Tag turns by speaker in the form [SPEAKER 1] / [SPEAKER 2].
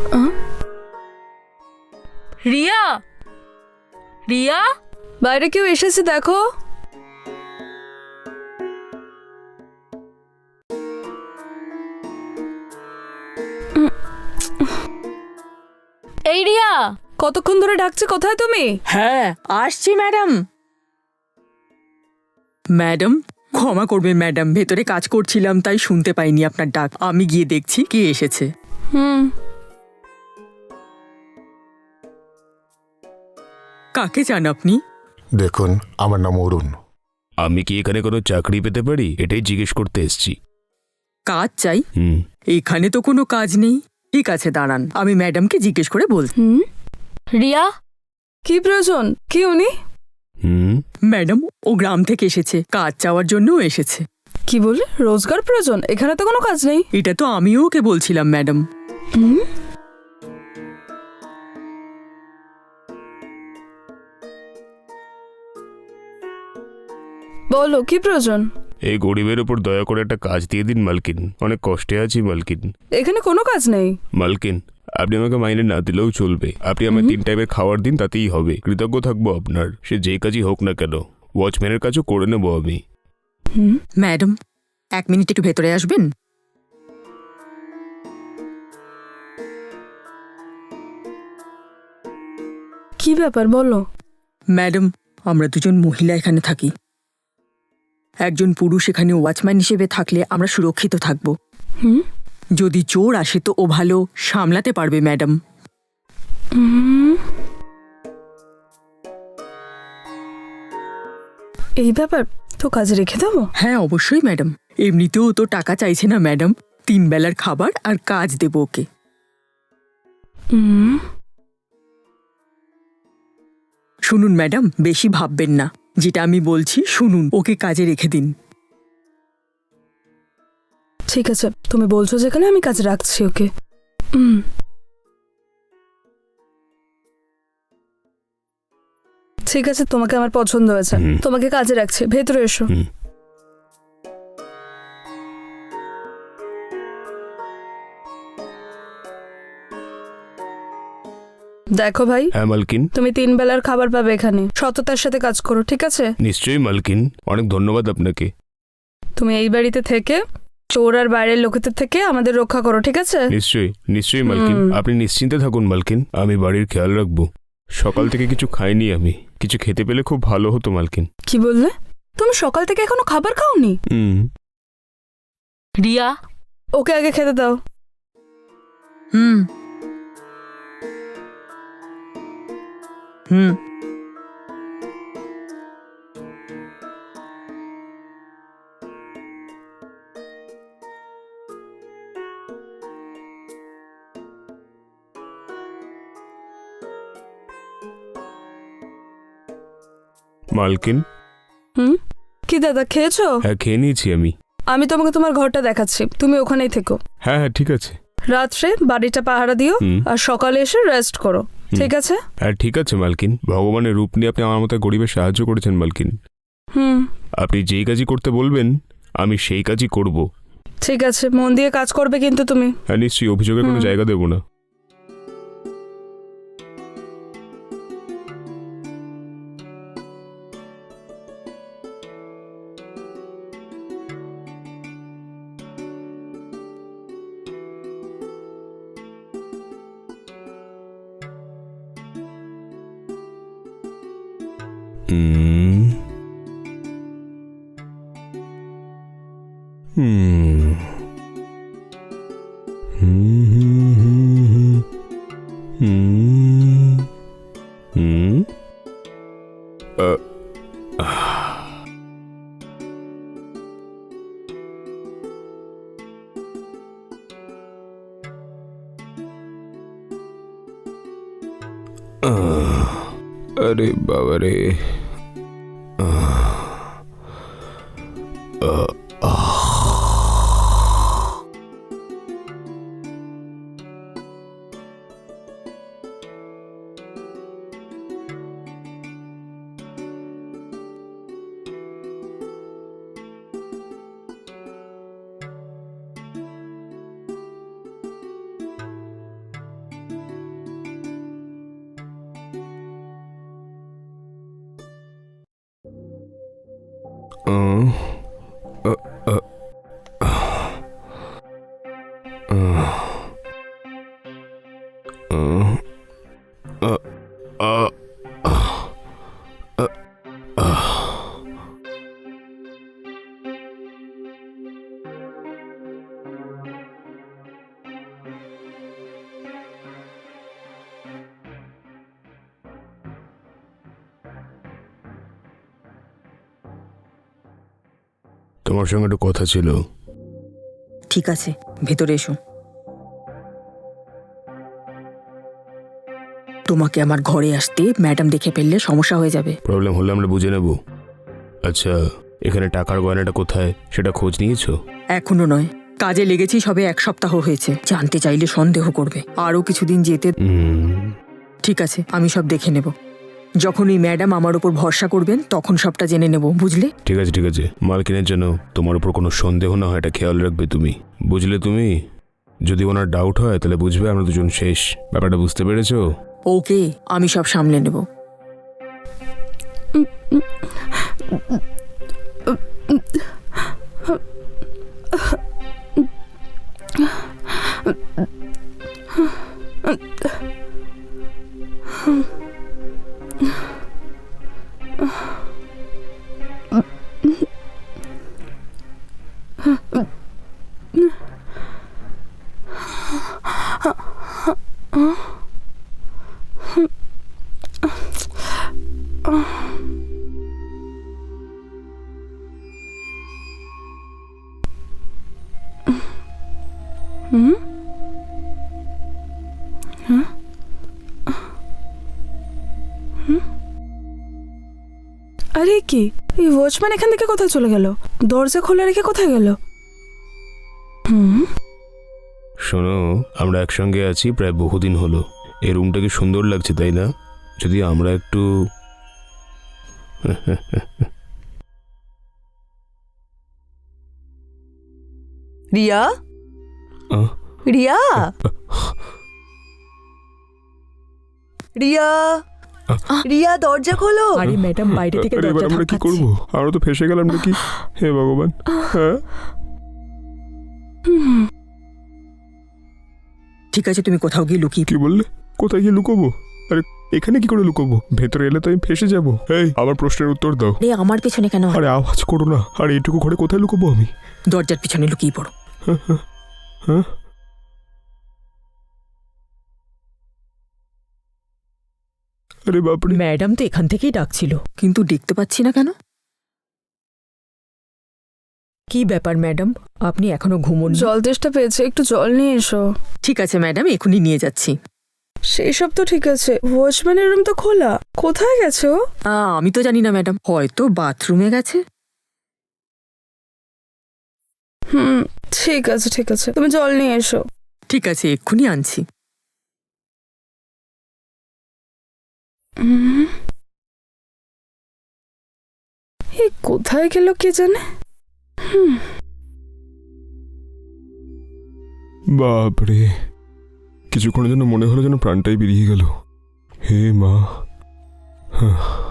[SPEAKER 1] রিয়া, রিয়া,
[SPEAKER 2] বাইরে কেউ এসেছে দেখো।
[SPEAKER 1] এই রিয়া,
[SPEAKER 2] কতক্ষণ ধরে ডাকছে, কোথায় তুমি?
[SPEAKER 3] হ্যাঁ আসছি ম্যাডাম। ম্যাডাম ক্ষমা করবেন ম্যাডাম, ভেতরে কাজ করছিলাম তাই শুনতে পাইনি আপনার ডাক। আমি গিয়ে দেখছি কে এসেছে। কাকে চান আপনি?
[SPEAKER 4] দেখুন, আমার নাম অরুণ।
[SPEAKER 5] আমি কি এখানে কোনো চাকরি পেতে পারি এটাই জিজ্ঞেস করতে এসেছি।
[SPEAKER 3] কাজ চাই?
[SPEAKER 5] হুম।
[SPEAKER 3] এখানে তো কোনো কাজ নেই। ঠিক আছে দাঁড়ান, আমি ম্যাডামকে জিজ্ঞেস করে বলছি।
[SPEAKER 1] রিয়া,
[SPEAKER 2] কি প্রয়োজন? কি উনি?
[SPEAKER 5] হুম।
[SPEAKER 3] ম্যাডাম ও গ্রাম থেকে এসেছে, কাজ চাওয়ার জন্যও এসেছে।
[SPEAKER 2] কি বলে? রোজগার প্রয়োজন? এখানে তো কোনো কাজ নেই।
[SPEAKER 3] এটা তো আমিও ওকে বলছিলাম ম্যাডাম।
[SPEAKER 2] বলো কি প্রয়োজন?
[SPEAKER 5] এই গরিবের উপর দয়া করে একটা কাজ দিয়ে দিন মালকিন, অনেক কষ্টে আছি মালকিন।
[SPEAKER 2] এখানে কোনো কাজ নেই।
[SPEAKER 5] মালকিন আপনি আমাকে মাইনে না দিলেও চলবে, আপনি আমায় 3 টাইমের খাবার দিন তাতেই হবে। কৃতজ্ঞ থাকবো আপনার, সে যেই কাজই হোক না কেন। ওয়াচম্যানের কাজও করে নেবো আমি।
[SPEAKER 3] ম্যাডাম 1 মিনিট একটু ভেতরে আসবেন?
[SPEAKER 2] কি ব্যাপার বলো।
[SPEAKER 3] ম্যাডাম আমরা দুজন মহিলা এখানে থাকি, একজন পুরুষ এখানে ওয়াচম্যান হিসেবে থাকলে আমরা সুরক্ষিত থাকব। যদি চোর আসে তো ও ভালো সামলাতে পারবে ম্যাডাম।
[SPEAKER 2] এই ব্যাপার তো কাজে রেখে দেবো।
[SPEAKER 3] হ্যাঁ অবশ্যই ম্যাডাম, এমনিতেও তো টাকা চাইছে না ম্যাডাম, 3 বেলার খাবার আর কাজ দেব ওকে। শুনুন ম্যাডাম, বেশি ভাববেন না, যেটা আমি বলছি শুনুন, ওকে কাজে রেখে দিন।
[SPEAKER 2] ঠিক আছে, তুমি বলছো যেখানে, আমি কাজে রাখছি ওকে। ঠিক আছে, তোমাকে আমার পছন্দ হয়েছে, তোমাকে কাজে রাখছি, ভেতরে এসো। দেখো ভাই,
[SPEAKER 5] হ্যাঁ মালকিন।
[SPEAKER 2] তুমি 3 বেলার খাবার পাবে এখানে, সততার সাথে কাজ করো, ঠিক আছে?
[SPEAKER 5] নিশ্চয়ই মালকিন, অনেক ধন্যবাদ আপনাকে।
[SPEAKER 2] তুমি এই বাড়িতে থেকে চোর আর বাইরের লোকেদের থেকে আমাদের রক্ষা করো, ঠিক আছে?
[SPEAKER 5] নিশ্চয়ই নিশ্চয়ই মালকিন, আপনি নিশ্চিন্তে থাকুন মালকিন, আমি বাড়ির খেয়াল রাখবো। সকাল থেকে কিছু খাইনি আমি, কিছু খেতে পেলে খুব ভালো হতো মালকিন।
[SPEAKER 2] কি বললে? তুমি সকাল থেকে এখনো খাবার খাওনি?
[SPEAKER 1] রিয়া,
[SPEAKER 2] ওকে আগে খেতে দাও।
[SPEAKER 3] হুম হুম
[SPEAKER 5] মালকিন।
[SPEAKER 2] কি দাদা, খেয়েছো?
[SPEAKER 5] হ্যাঁ খেয়ে নিয়েছি আমি।
[SPEAKER 2] আমি তোমাকে তোমার ঘরটা দেখাচ্ছি, তুমি ওখানেই থেকো।
[SPEAKER 5] হ্যাঁ হ্যাঁ ঠিক আছে।
[SPEAKER 2] রাত্রে বাড়িটা পাহারা দিও আর সকালে এসে রেস্ট করো, ঠিক আছে?
[SPEAKER 5] হ্যাঁ ঠিক আছে মালকিন, ভগবানের রূপ নিয়ে আপনি আমার মতো গরিবের সাহায্য করেছেন মালকিন। আপনি যেই কাজই করতে বলবেন আমি সেই কাজই করব।
[SPEAKER 2] ঠিক আছে, মন দিয়ে কাজ করবে কিন্তু তুমি।
[SPEAKER 5] হ্যাঁ নিশ্চয়ই, অভিযোগের কোনো জায়গা দেব না। अरे बाबा रे। তোমার সঙ্গে একটু কথা ছিল।
[SPEAKER 3] ঠিক আছে, ভেতরে এসো। তোমাকে আমার ঘরে আসতে ম্যাডাম দেখে ফেললে সমস্যা হয়ে যাবে।
[SPEAKER 5] প্রবলেম হলে আমরা বুঝে নেব। আচ্ছা, এখানে টাকার গয়নাটা কোথায় সেটা খোঁজ নিয়েছো?
[SPEAKER 3] এখনো নয়, কাজে লেগেছি সবে 1 সপ্তাহ হয়েছে। জানতে চাইলে সন্দেহ করবে, আরও কিছুদিন যেতে। ঠিক আছে, আমি সব দেখে নেব। যখন এই ম্যাডাম আমার উপর ভরসা করবেন তখন সবটা জেনে নেব, বুঝলে?
[SPEAKER 5] ঠিক আছে ঠিক আছে, মালকিনের জন্য তোমার উপর কোনো সন্দেহ না হয় এটা খেয়াল রাখবে তুমি, বুঝলে? তুমি যদি ওনার ডাউট হয় তাহলে বুঝবে আমরা দুজন শেষ। ব্যাপারটা বুঝতে পেরেছো?
[SPEAKER 3] ওকে, আমি সব সামলে নেব।
[SPEAKER 2] আরে কি, এই ওয়াচম্যান এখান থেকে কোথায় চলে গেল? দরজা খোলা রেখে কোথায় গেল?
[SPEAKER 5] শোনো, আমরা একসঙ্গে আছি প্রায় বহুদিন হলো। এই রুমটা কি সুন্দর লাগছে, তাই না? যদি আমরা একটু
[SPEAKER 6] রিয়া,
[SPEAKER 5] আহ,
[SPEAKER 6] রিয়া, রিয়া, রিয়া, দরজা খোলো।
[SPEAKER 3] আরে ম্যাডাম বাইরে থেকে
[SPEAKER 5] আরে এবার
[SPEAKER 3] দরজা
[SPEAKER 5] আমরা কি
[SPEAKER 3] ধাক্কাচ্ছে।
[SPEAKER 5] করবো? আমরা তো ফেসে গেলাম নাকি? হে ভগবান। হ্যাঁ,
[SPEAKER 3] ঠিক আছে, তুমি কোথাও গিয়ে লুকিয়ে।
[SPEAKER 5] কি বললে? কোথায় গিয়ে লুকোবো? আরে এখানে কি করে লুকোবো? ভেতরে এলে তো আমি ফেসে যাবো। এই, আমার প্রশ্নের উত্তর দাও।
[SPEAKER 3] আরে আমার পেছনে কেন?
[SPEAKER 5] আরে আওয়াজ করো না। আর এইটুকু ঘরে কোথায় লুকোবো আমি?
[SPEAKER 3] দরজার পিছনে লুকিয়ে পড়ো।
[SPEAKER 5] হ্যাঁ, আরে বাপরে।
[SPEAKER 3] ম্যাডাম তো এখান থেকেই ডাকছিল, কিন্তু দেখতে পাচ্ছি না কেন। কি ব্যাপার ম্যাডাম, আপনি এখনো ঘুমোন?
[SPEAKER 2] জল তেষ্টা পেয়েছে, একটু জল নিয়ে এসো।
[SPEAKER 3] ঠিক আছে ম্যাডাম, এখনই নিয়ে যাচ্ছি।
[SPEAKER 2] সেই সব তো ঠিক আছে, ওয়াচম্যানের রুম তো খোলা, কোথায় গেছে ও?
[SPEAKER 3] আমি তো জানি না ম্যাডাম, হয়তো বাথরুমে গেছে।
[SPEAKER 2] ঠিক আছে ঠিক আছে, তুমি জল নিয়ে এসো।
[SPEAKER 3] ঠিক আছে, এক্ষুনি আনছি।
[SPEAKER 2] এই কোথায় গেল কে জানে।
[SPEAKER 5] বাপরে, কিছুক্ষণের জন্য মনে হলো যেন প্রাণটাই বেরিয়ে গেল। হে মা।